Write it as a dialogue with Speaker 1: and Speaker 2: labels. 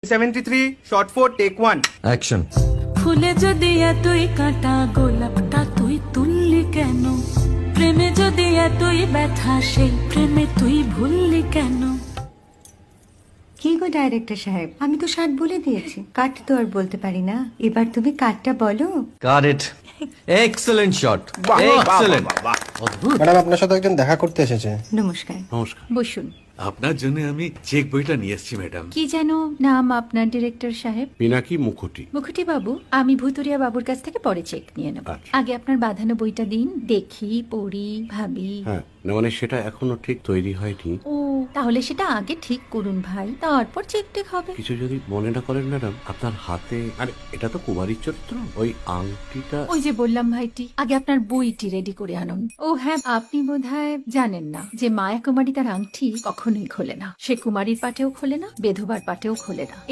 Speaker 1: 73 shot 4 take 1
Speaker 2: action.
Speaker 3: ফুলে যদি এতই কাঁটা গোলাপটা তুই তুললি কেন? প্রেমে যদি এতই ব্যথা সেই প্রেমে তুই ভুললি কেন?
Speaker 4: কি গো ডাইরেক্টর সাহেব, আমি তো 60 বলে দিয়েছি, কাট তো আর বলতে পারি না, এবার তুমি কাটটা বলো।
Speaker 2: Got it. এক্সেলেন্ট শট,
Speaker 1: বাহ, বাহ,
Speaker 2: এক্সেলেন্ট।
Speaker 1: বাহ, বাহ,
Speaker 2: অদ্ভুত।
Speaker 5: ম্যাডাম আপনার সাথে একজন দেখা করতে এসেছে।
Speaker 4: নমস্কার,
Speaker 6: নমস্কার।
Speaker 4: বসুন।
Speaker 6: আপনার জন্য আমি চেক বইটা নিয়ে এসেছি ম্যাডাম।
Speaker 4: কি যেন নাম আপনার ডিরেক্টর সাহেব?
Speaker 6: পিনাকি মুখোটি।
Speaker 4: মুখুটি বাবু, আমি ভুতুরিয়া বাবুর কাছ থেকে পরে চেক নিয়ে নেব।
Speaker 6: আচ্ছা।
Speaker 4: আগে আপনার বাঁধানো বইটা দিন, দেখি, পড়ি, ভাবি।
Speaker 6: হ্যাঁ, না মানে সেটা এখনো ঠিক তৈরি হয়নি।
Speaker 4: ও, তাহলে সেটা আগে ঠিক করুন ভাই, তারপর চেক টেক হবে।
Speaker 6: কিছু যদি মনে না করেন ম্যাডাম, আপনার হাতে, আরে এটা তো কুমারীর চরিত্র, ওই আংটিটা।
Speaker 4: ওই যে বললাম ভাইটি, আগে আপনার বইটি রেডি করে আনুন। ও হ্যাঁ, আপনি বোধহয় জানেন না যে মায়া কুমারী তার আংটি কখনোই খোলে না। সে কুমারীর পাটেও খোলে না, বেধবার পাটেও খোলে না।